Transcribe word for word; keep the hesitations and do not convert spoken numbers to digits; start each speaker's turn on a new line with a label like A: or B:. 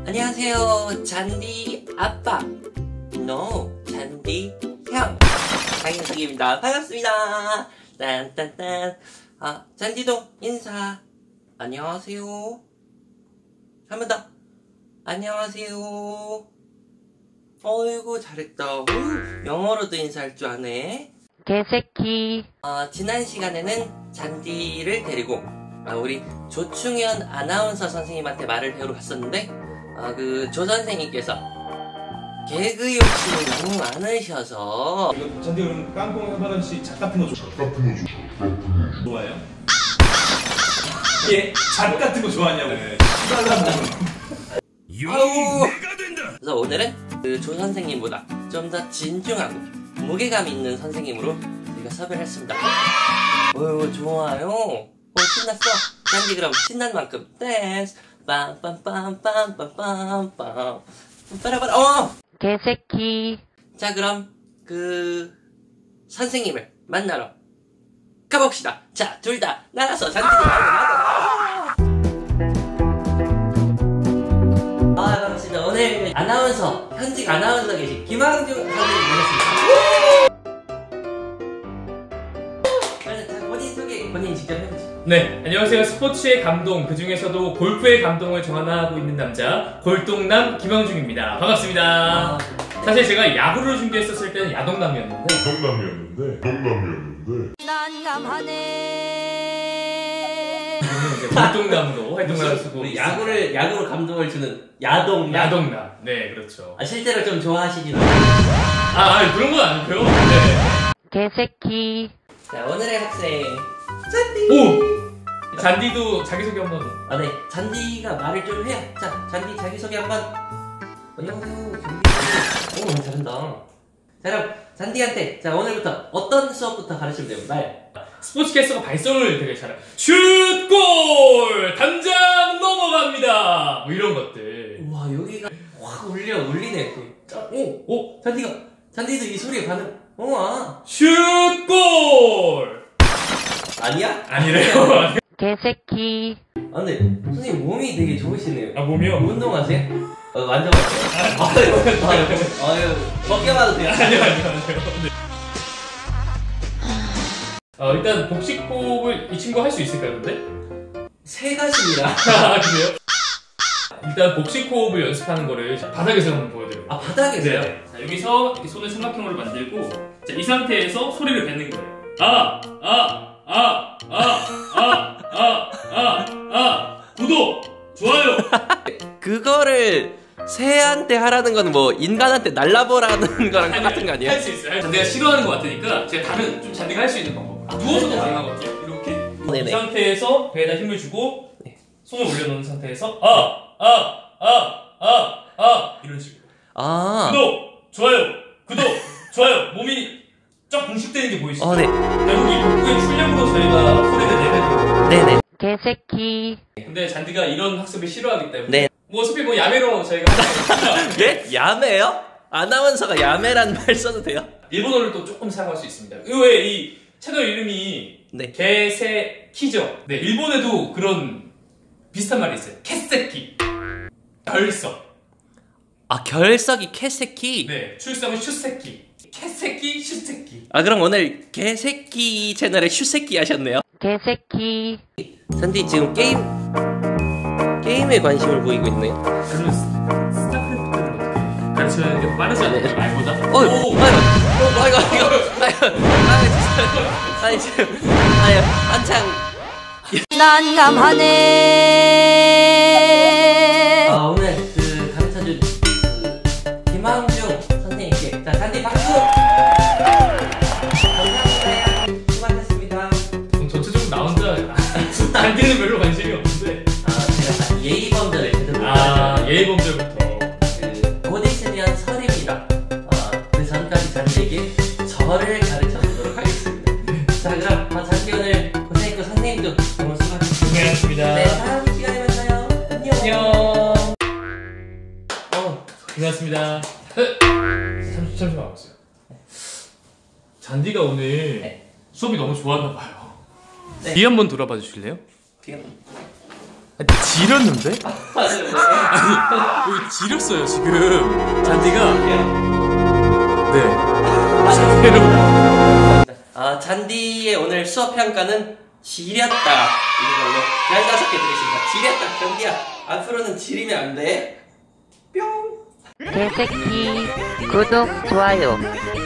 A: 안녕하세요, 잔디 아빠. No, 잔디 형. 강현석입니다. 반갑습니다. 딴딴딴. 아, 잔디도 인사. 안녕하세요. 한 번 더. 안녕하세요. 어이구, 잘했다. 우, 영어로도 인사할 줄 아네.
B: 개새끼.
A: 어, 지난 시간에는 잔디를 데리고 아, 우리 조충현 아나운서 선생님한테 말을 배우러 갔었는데 아, 그 조 선생님께서 개그 욕심이 너무 많으셔서
C: 잔디 그럼 깡통 현바람 씨 잣 같은 거 좋아? 잣 같은 거 좋아? 좋아요? 예? 잣 같은 거 좋아하냐고. 네.
A: 아우. 그래서 오늘은 그 조 선생님보다 좀 더 진중하고 무게감 있는 선생님으로 저희가 섭외를 했습니다. 어유 좋아요. 오 신났어. 잔디 그럼 신난 만큼 댄스 빰빰빰빰빰빰빰빰 빠라바라. 어!
B: 개새끼.
A: 자 그럼 그 선생님을 만나러 가봅시다. 자 둘 다 나가서 잔디도 나가 나가. 아 반갑습니다. 오늘 아나운서 현직 아나운서 계신 김항중 선생님 모셨습니다. 자 본인 소개 본인 직접 해보시죠.
D: 네, 안녕하세요. 스포츠의 감동, 그 중에서도 골프의 감동을 전하고 있는 남자 골동남 김항중입니다. 반갑습니다.
A: 아,
D: 사실 제가 야구를 준비했었을 때는 야동남이었는데
E: 농담이었는데 농담이었는데
B: 난감하네.
D: 지금은 이제 골동남으로 활동을 하시고
A: 우리 야구를 야구로 감동을 주는 야동
D: 야동남. 네, 그렇죠.
A: 아, 실제로 좀 좋아하시긴
D: 아, 아 그런 건 아니고요. 네.
B: 개새끼.
A: 자 오늘의 학생 잔디.
D: 오! 잔디도 자기소개 한번.
A: 아, 네. 잔디가 말을 좀 해요. 자, 잔디 자기소개 한번. 안녕하세요. 잔디. 오, 잘한다. 자, 그럼 잔디한테 자 오늘부터 어떤 수업부터 가르치면 돼요? 말.
D: 스포츠캐스터가 발성을 되게 잘해요. 슛골! 당장 넘어갑니다! 뭐 이런 것들.
A: 우와, 여기가 확 울려, 울리네. 그. 자, 오, 오, 잔디가, 잔디도 이 소리에 반응. 오, 아.
D: 슛골!
A: 아니야?
D: 아니래요.
B: 개새끼.
A: 아, 근데 선생님 몸이 되게 좋으시네요.
D: 아, 몸이요?
A: 운동하세요? 어, 만져봤어요. 아유, 아유, 아유, 벗겨봐도 돼요?
D: 아니요, 아니요, 아니요. 네. 어, 일단 복식호흡을 이 친구 할 수 있을까요, 근데?
A: 세 가지입니다.
D: 아, 그래요? 일단 복식호흡을 연습하는 거를 바닥에서 한번 보여드려요.
A: 아, 바닥에서요?
D: 네. 자, 여기서 이렇게 손을 삼각형으로 만들고 자, 이 상태에서 소리를 뱉는 거예요. 아! 아! 아! 아! 아! 아! 아! 아! 구독! 좋아요!
A: 그거를 새한테 하라는 건 뭐 인간한테 날라보라는 거랑 똑같은 거 아니에요?
D: 할 수 있어요. 잔디가 싫어하는 것 같으니까 제가 다른 좀 잔디가 할 수 있는 방법. 누워서도 가능하거든요. 이렇게.
A: 네네.
D: 이 상태에서 배에다 힘을 주고 손을 올려놓은 상태에서 아! 아! 아! 아! 아! 이런 식으로.
A: 아.
D: 구독! 좋아요! 구독! 좋아요! 몸이 쫙 공식되는 게 보이시죠?
A: 어, 네.
D: 결국 이 복부의 출력으로 저희가 소리를 내면
A: 네네.
B: 개새끼.
D: 근데 잔디가 이런 학습을 싫어하기 때문에
A: 네.
D: 뭐 어차피 뭐 야매로 저희가
A: 예? 야매요? 아나운서가 야매란 말 써도 돼요?
D: 일본어를 또 조금 사용할 수 있습니다. 의외에 이 채널 이름이
A: 네.
D: 개새키죠. 네, 일본에도 그런 비슷한 말이 있어요. 캐새키. 결석.
A: 아, 결석이 캐새끼?
D: 네, 출석은 슈새키. 캐새키, 슈새키.
A: 아, 그럼 오늘 개새끼 채널에 슈새끼 하셨네요?
B: 개새끼.
A: 산디 지금 게임 게임에 관심을 보이고 있네요.
D: 그럼 스타크래프트를 어떻게 가르쳐야 하는 게 빠르지 않나요? 말보다?
A: 어, 아이고, 아이고, 아이고, 아이고, 아이고, 아니 지금, 아니 한창.
B: 난감하네.
A: 아 오늘 그 가르쳐준 그 김항중 선생님께 자 잔디 박수. 감사합니다. 수고하셨습니다.
D: 전 전체적으로 나 혼자 잔디는 별로 관심이 없는데.
A: 아 제가 예의범절을 제대로
D: 아, 예의범절부터.
A: 그 곧 있으면 설입니다. 어, 그 전까지 잔디에게 절을 가르쳐 보도록 하겠습니다. 자 그럼 아, 잔디 오늘 고생했고 선생님도 너무 수고하셨습니다.
D: 고생하셨습니다.
A: 네 다음 시간에 만나요. 안녕.
D: 안녕. 어, 고생하셨습니다. 잠시, 잠시만 와보세요. 잔디가 오늘
A: 네.
D: 수업이 너무 좋았나 봐요.
A: 네.
D: 뒤 한번 돌아봐 주실래요?
A: 지금
F: 지렸는데? 아니 여기 지렸어요 지금 잔디가. 네. 새로.
A: 아, 잔디의 오늘 수업 평가는 지렸다 이걸로 열다섯 개 드리겠습니다. 지렸다 잔디야. 앞으로는 지리면 안 돼. 뿅.
B: 개새끼 구독 좋아요